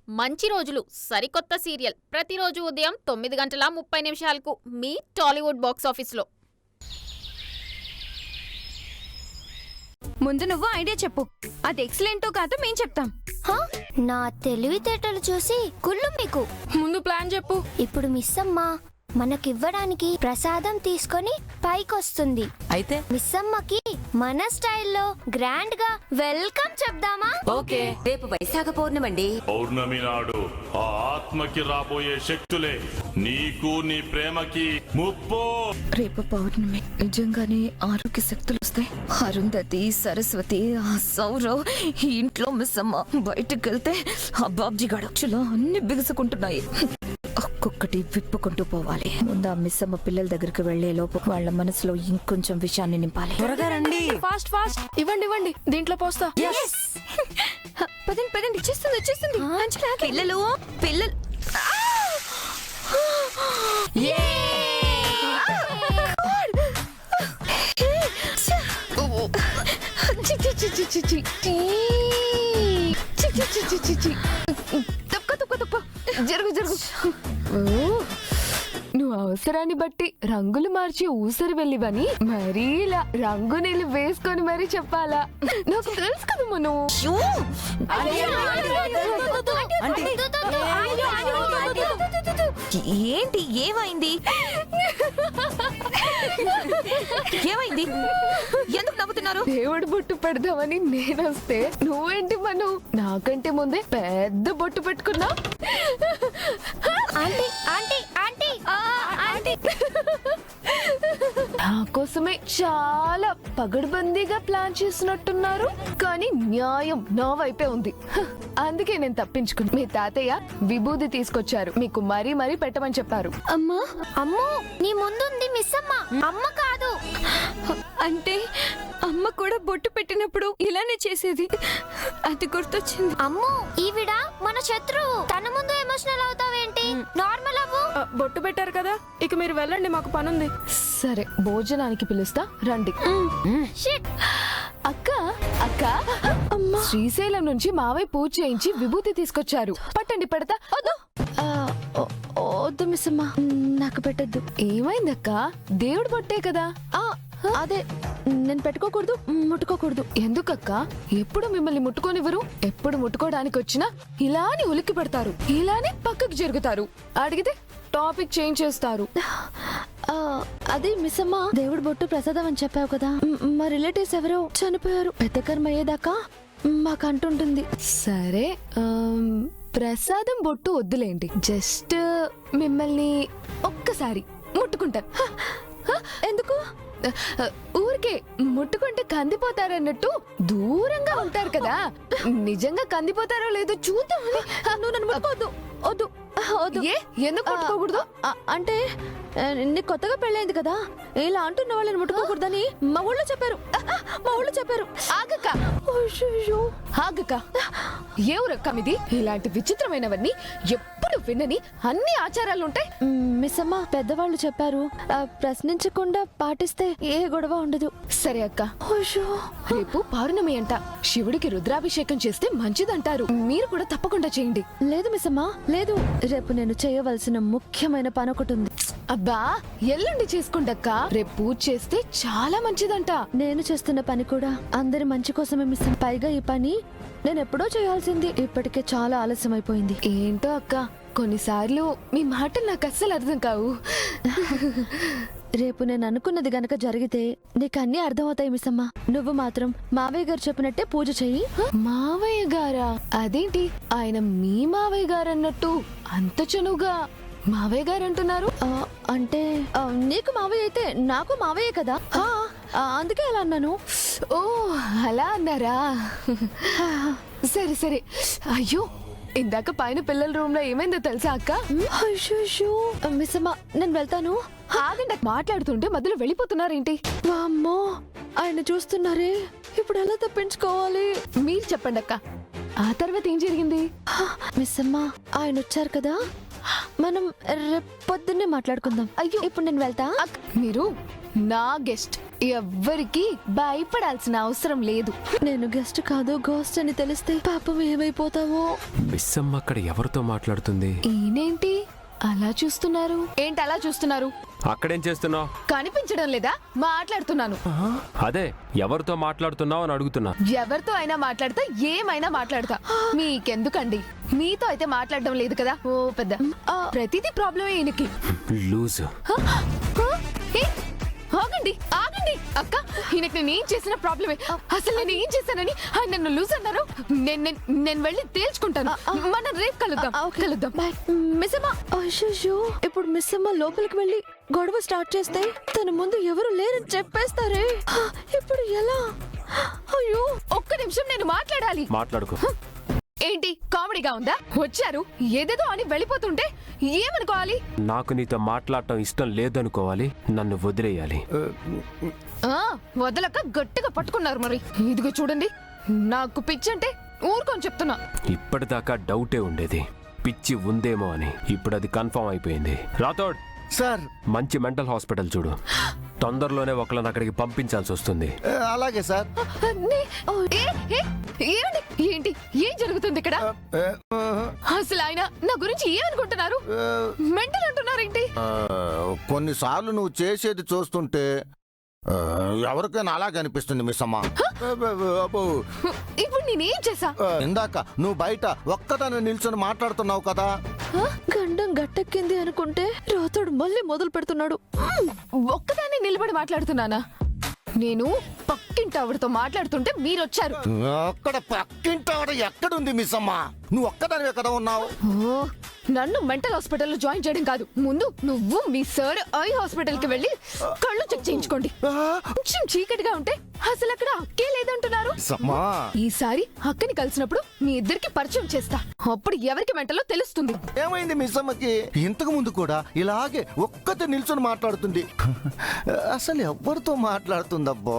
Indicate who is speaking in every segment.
Speaker 1: మంచి రోజులు సరికొత్త సీరియల్ ప్రతిరోజు ఉదయం 9:30 మీ టాలీవుడ్ బాక్స్ ఆఫీస్లో.
Speaker 2: ముందు నువ్వు ఐడియా చెప్పు, అది ఎక్సలెంటో కాదో మేం చెప్తాం.
Speaker 3: నా తెలివితేటలు చూసి కుళ్ళు మీకు.
Speaker 2: ముందు ప్లాన్ చెప్పు.
Speaker 3: ఇప్పుడు మిస్ అమ్మ మనకివ్వడానికి ప్రసాదం తీసుకొని పైకొస్తుంది.
Speaker 4: అయితే
Speaker 3: మిస్ అమ్మకి మన స్టైల్లో గ్రాండ్ గా వెల్కమ్ చెప్దామా?
Speaker 4: ఓకే. రేపు వైశాఖ పౌర్ణమండి.
Speaker 5: పౌర్ణమి నాడు ఆ ఆత్మకి రాబోయే శక్తులే నీకు నీ ప్రేమకి ముప్పు.
Speaker 2: రేపు పౌర్ణమి, నిజంగానే ఆరోగ్య శక్తులు వస్తాయి. అరుంధతి, సరస్వతి, ఆ సౌరవ్ ఈ ఇంట్లో మిస్ అమ్మ బయటకు వెళ్తే ఆ బాబ్జీ గడచులో అన్ని బిగుసుకుంటున్నాయి. ఒక్కొక్కటి విప్పుకుంటూ పోవాలి. ముందు ఆ మిస్ అమ్మ పిల్లల దగ్గరికి వెళ్లే లోపు వాళ్ళ మనసులో ఇంకొంచెం విషయాన్ని నింపాలి.
Speaker 4: త్వరగా రండి.
Speaker 2: ఫాస్ట్ ఫాస్ట్ ఇవ్వండి దీంట్లో పోస్తా. పదండి వచ్చేస్తుంది. పిల్లలు తక్కువ జరుగు. నువ్వు అవసరాన్ని బట్టి రంగులు మార్చి ఊసరి వెళ్ళివని మరీ ఇలా రంగు నీళ్ళు వేసుకొని మరీ చెప్పాలా? నాకు తెలుసు కదా మనం. ఏంటి ఏమైంది? ఎందుకు నవ్వుతున్నారు? దేవుడు బొట్టు పెడదామని నేనొస్తే నువ్వేంటి మనం నాకంటే ముందే పెద్ద బొట్టు పెట్టుకున్నా. నా కోసమే చాలా పగడ్బందీగా ప్లాన్ చేసినట్టున్నారు, కానీ న్యాయం నా వైపే ఉంది. అందుకే నేను తప్పించుకుని మీ తాతయ్య విభూది తీసుకొచ్చారు, మీకు మరీ పెట్టమని చెప్పారు.
Speaker 3: అమ్మో నీ ముందుంది మిస్ అమ్మ, అమ్మ కాదు.
Speaker 2: అంటే అమ్మ కూడా బొట్టు పెట్టినప్పుడు ఇలానే చేసేది, అది గుర్తొచ్చింది.
Speaker 3: అమ్మో ఈవిడ మన శత్రువు, తన ముందు ఎమోషనల్ అవుతావేంటి? నార్మల్ అవ్వు.
Speaker 2: బొట్టు పెట్టారు కదా, ఇక మీరు వెళ్ళండి, మాకు పనుంది. సరే భోజనానికి పిలుస్తా రండి. అక్క శ్రీశైలం నుంచి మావయ్య పూజ చేయించి విభూతి తీసుకొచ్చారు, పట్టండి. పెడతా. వద్దు మిస్ అమ్మా, నాకు పెట్టద్దు. ఏమైందక్క? దేవుడు బొట్టే కదా. అదే నేను పెట్టుకోకూడదు, ముట్టుకోకూడదు. ఎందుకక్క? ఎప్పుడు మిమ్మల్ని ముట్టుకోనివ్వరు, ఎప్పుడు ముట్టుకోవడానికి వచ్చినా ఇలానే ఉలిక్కి పెడతారు, ఇలానే పక్కకు జరుగుతారు, అడిగితే టాపిక్ చేంజ్ చేస్తారు. అదే మిస్ అమ్మ, దేవుడు బొట్టు ప్రసాదం అని చెప్పావు కదా, మా రిలేటివ్స్ ఎవరో చనిపోయారు, పెద్ద కర్మ అయ్యేదాకా మాకు అంటుంటుంది. సరే ప్రసాదం బొట్టు వద్దులేండి, జస్ట్ మిమ్మల్ని ఒక్కసారి ముట్టుకుంటాను. ఎందుకు? ఊరికే ముట్టుకుంటే కందిపోతారన్నట్టు దూరంగా ఉంటారు కదా, నిజంగా కందిపోతారో లేదో చూద్దామని. నువ్వు నన్ను ముట్టుకోవద్దు. వద్దు. ఎందుకు ముట్టుకోకూడదు? అంటే నీకు కొత్తగా పెళ్ళైంది కదా, ఇలా అంటున్న వాళ్ళని ముట్టుకోకూడదని మా ఊళ్ళో చెప్పారు. ఆగక్క, ఎవరక్క మీది? ఇలాంటి విచిత్రమైనవన్నీ ఎప్పుడు విన్నని అన్ని ఆచారాలుంటాయి. మిస్ అమ్మ పెద్దవాళ్ళు చెప్పారు, ప్రశ్నించకుండా పాటిస్తే ఏ గొడవ ఉండదు. సరే అక్క, రేపు పౌర్ణమి అంట, శివుడికి రుద్రాభిషేకం చేస్తే మంచిదంటారు, మీరు కూడా తప్పకుండా చేయండి. లేదు మిస్ అమ్మ, లేదు, రేపు నేను చేయవలసిన ముఖ్యమైన పని ఒకటి ఉంది. అబ్బా ఎల్లుండి చేసుకోండక్క, రేపు పూజ చేస్తే చాలా మంచిదంట. నేను చేస్తున్న పని కూడా అందరి మంచి కోసమే మిస్. పైగా ఈ పని నేను ఎప్పుడో చేయాల్సింది, ఇప్పటికే చాలా ఆలస్యం అయిపోయింది. ఏంటో అక్క, కొన్నిసార్లు మీ మాటలు నాకు అస్సలు అర్థం కావు. రేపు నేను అనుకున్నది గనక జరిగితే నీకు అన్ని అర్థమవుతాయి మిస్ అమ్మ. నువ్వు మాత్రం మావయ్య గారు చెప్పినట్టే పూజ చెయ్యి. మావయ్య గారా? అదేంటి ఆయన మీ మావయ్య గారు అన్నట్టు అంత చనువుగా మావయ్య గారు అంటున్నారు? అంటే నీకు మావయ్య అయితే నాకు మావయ్య కదా, అందుకే అలా అన్నాను. ఓ అలా అన్నారా? సరే. అయ్యో ఇందాక పైన పిల్లల రూమ్ లో ఏమైందో తెలుసా అక్క? మిస్ అమ్మ నేను వెళ్తాను. ఆగండి, మాట్లాడుతుంటే మధ్యలో వెళ్ళిపోతున్నారేంటి? అమ్మో ఆయన చూస్తున్నారే, ఇప్పుడు ఎలా తప్పించుకోవాలి? మీరు చెప్పండి అక్క, ఆ తర్వాత ఏం జరిగింది? మిస్ అమ్మ ఆయన వచ్చారు కదా, మనం రేపు పొద్దున్నే మాట్లాడుకుందాం. అయ్యో ఇప్పుడు నేను వెళ్తా. మీరు నా గెస్ట్. ఎవ్వరికి భయపడాల్సిన అవసరం లేదు.
Speaker 6: నేను గెస్ట్ కాదు గోస్ట్ అని తెలిస్తే పాపం ఏమైపోతావో.
Speaker 7: మిస్సమ్మ అక్కడ ఎవరితో మాట్లాడుతుంది?
Speaker 2: ఈయనేంటి అలా చూస్తున్నారు? ఏంటి అలా చూస్తున్నారు?
Speaker 7: అక్కడేం చేస్తున్నావు?
Speaker 2: కనిపించడం లేదా? మాట్లాడుతున్నాను.
Speaker 7: అదే ఎవరితో మాట్లాడుతున్నావు అని అడుగుతున్నా.
Speaker 2: ఎవరితో అయినా మాట్లాడతా, ఏమైనా మాట్లాడతా. మీకెందుకండి? మీతో అయితే మాట్లాడడం లేదు కదా. ఓ పెద్ద ప్రతిదీ ప్రాబ్లమే ఈయనకి.
Speaker 7: లూజు.
Speaker 2: ఆగండి ఆగండి అక్క, ఈయనకి నేను ఏం చేసిన ప్రాబ్లమే. అసలు నేను ఏం చేశానని ఆయన నన్ను లూజ్ అన్నారు. నేను వెళ్ళి తేల్చుకుంటాను. మనం రేపు కలుద్దాం.
Speaker 6: మిస్సమ్మ అయ్యో, ఇప్పుడు మిస్సమ్మ లోపలికి వెళ్ళి గొడవ స్టార్ట్ చేస్తే తన ముందు ఎవరు లేరని చెప్పేస్తారే. ఇప్పుడు ఎలా? అయ్యో,
Speaker 2: ఒక్క నిమిషం నేను మాట్లాడాలి.
Speaker 7: మాట్లాడుకో.
Speaker 2: ఏంటి కామెడీగా ఉందా? వచ్చారు ఏదేదో అని వెళ్ళిపోతుంటే ఏమనుకోవాలి?
Speaker 7: నాకు నీతో మాట్లాడటం ఇష్టం లేదనుకోవాలి, నన్ను వదిలేయాలి.
Speaker 2: వదలక గట్టిగా పట్టుకున్నారు. మరి ఇదిగో చూడండి, నాకు పిచ్చి అంటే ఊరుకొని చెప్తున్నా.
Speaker 7: ఇప్పటిదాకా డౌటే ఉండేది పిచ్చి ఉందేమో అని. ఇప్పుడు అది కన్ఫర్మ్ అయిపోయింది. రాథోడ్
Speaker 8: సార్,
Speaker 7: మంచి మెంటల్ హాస్పిటల్ చూడు. తొందరలోనే ఒకళ్ళని అక్కడికి పంపించాల్సి వస్తుంది.
Speaker 8: అలాగే సార్.
Speaker 2: ఏమండి, ఏంటి ఏం జరుగుతుంది ఇక్కడ? అసలు ఆయన నా గురించి ఏమనుకుంటున్నారు? మెంటల్ అంటున్నారేంటి?
Speaker 8: కొన్నిసార్లు నువ్వు చేసేది చూస్తుంటే ఎవరికైనా అలాగే అనిపిస్తుంది మిస్సమ్మ.
Speaker 2: ఇప్పుడు నేనేం చేసా?
Speaker 8: ఇందాక నువ్వు బయట ఒక్కదాన్ని నిల్చొని మాట్లాడుతున్నావు కదా.
Speaker 6: గండం గట్టెక్కింది అనుకుంటే రాతోడు మళ్ళీ మొదలు పెడుతున్నాడు.
Speaker 2: ఒక్కదాన్ని నిలబడి మాట్లాడుతున్నానా? నేను పక్కింటి ఆవిడతో మాట్లాడుతుంటే మీరొచ్చారు.
Speaker 8: అక్కడ పక్కింటాడ ఎక్కడుంది మిస్సమ్మ? నువ్వు ఒక్కదానివే కదా ఉన్నావు.
Speaker 2: నన్ను మెంటల్ హాస్పిటల్లో జాయిన్ చేయడం కాదు, ముందు నువ్వు మీ సార్ ఐ హాస్పిటల్ కి వెళ్ళి కళ్ళు చెక్ చేయించుకోండి. కొంచెం చీకటిగా ఉంటే అసలు అక్కడ అక్కే లేదంటున్నారు. ఈసారి అక్కని కలిసినప్పుడు మీ ఇద్దరికి పరిచయం చేస్తా, అప్పుడు ఎవరికి మెంటలో తెలుస్తుంది.
Speaker 8: ఏమైంది మిస్సమ్మకి? ఇంతకు ముందు కూడా ఇలాగే ఒక్కతే నిల్చొని మాట్లాడుతుంది. అసలు ఎవరితో మాట్లాడుతుందబ్బా?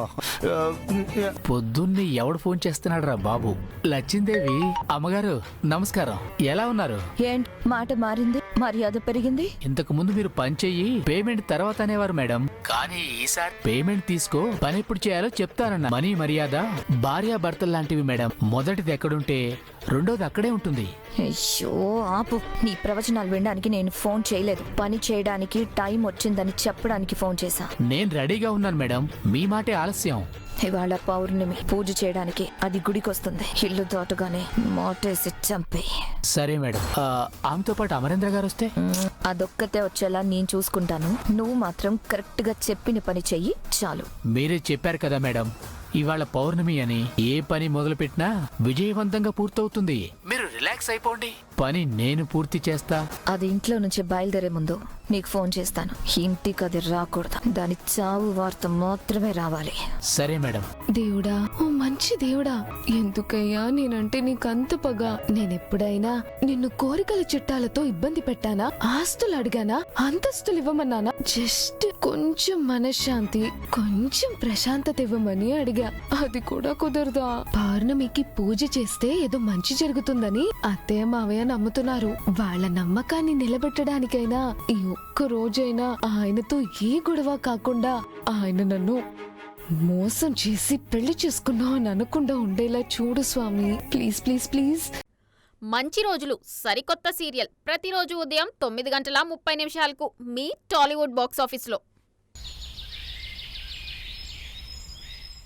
Speaker 9: పొద్దున్నే ఎవడు ఫోన్ చేస్తున్నాడు రా బాబు? లచ్చిందేవి అమ్మగారు నమస్కారం, ఎలా ఉన్నారు?
Speaker 6: ఏంటి మాట మారింది, మర్యాద పెరిగింది?
Speaker 9: ఇంతకు ముందు మీరు పని చెయ్యి, పేమెంట్ తర్వాత అనేవారు మేడం. కానీ ఈసారి పేమెంట్ తీసుకో, పని ఎప్పుడు చేయాలో చెప్తానన్న. మనీ మర్యాద భార్య భర్తలు లాంటివి మేడం. మొదటిది ఎక్కడుంటే రెండోది అక్కడే ఉంటుంది.
Speaker 6: అయ్యో ఆపు, నీ ప్రవచనాలు వినడానికి నేను ఫోన్ చేయలేదు. పని చేయడానికి టైం వచ్చిందని చెప్పడానికి ఫోన్ చేశా.
Speaker 9: నేను రెడీగా ఉన్నాను మేడం, మీ మాటే ఆలస్యం.
Speaker 6: ఇవాళ పౌర్ణమి, పూజ చేయడానికి అది గుడికొస్తుంది. ఇల్లు దాటగానే మోటేసి చంపే.
Speaker 9: సరే మేడం. ఆమెతో పాటు అమరేంద్ర గారు వస్తే?
Speaker 6: అదొక్కతే వచ్చేలా నేను చూసుకుంటాను. నువ్వు మాత్రం కరెక్ట్ గా చెప్పిన పని చెయ్యి చాలు.
Speaker 9: మీరే చెప్పారు కదా మేడం, ఇవాళ పౌర్ణమి అని. ఏ పని మొదలు పెట్టినా విజయవంతంగా పూర్తవుతుంది. మీరు రిలాక్స్ అయిపోండి, పని నేను పూర్తి చేస్తా.
Speaker 6: అది ఇంట్లో నుంచి బయలుదేరే ముందు నీకు ఫోన్ చేస్తాను. ఇంటికి అది రాకూడదు, దాని చావు వార్త మాత్రమే రావాలి.
Speaker 9: సరే మేడం.
Speaker 2: దేవుడా, ఓ మంచి దేవుడా, ఎందుకయ్యా నేనంటే నీకంత పగ? నేనెప్పుడైనా నిన్ను కోరికల చిట్టాలతో ఇబ్బంది పెట్టానా? ఆస్తులు అడిగానా? అంతస్తులు ఇవ్వమన్నానా? జస్ట్ కొంచెం మనశ్శాంతి, కొంచెం ప్రశాంతత ఇవ్వమని అడిగా. అది కూడా కుదరదా? పౌర్ణమికి పూజ చేస్తే ఏదో మంచి జరుగుతుందని అత్తయ్య మావయ్య నమ్ముతున్నారు. వాళ్ళ నమ్మకాన్ని నిలబెట్టడానికైనా ఈ ఒక్క రోజైనా ఆయనతో ఏ గొడవ కాకుండా ఆయన నన్ను మోసం చేసి పెళ్లి చేసుకున్నా అని అనకుండా ఉండేలా చూడు స్వామి. Please please please.
Speaker 1: మంచి రోజులు సరికొత్త సీరియల్ ప్రతిరోజు ఉదయం 9:30 మీ టాలీవుడ్ బాక్స్ ఆఫీస్లో.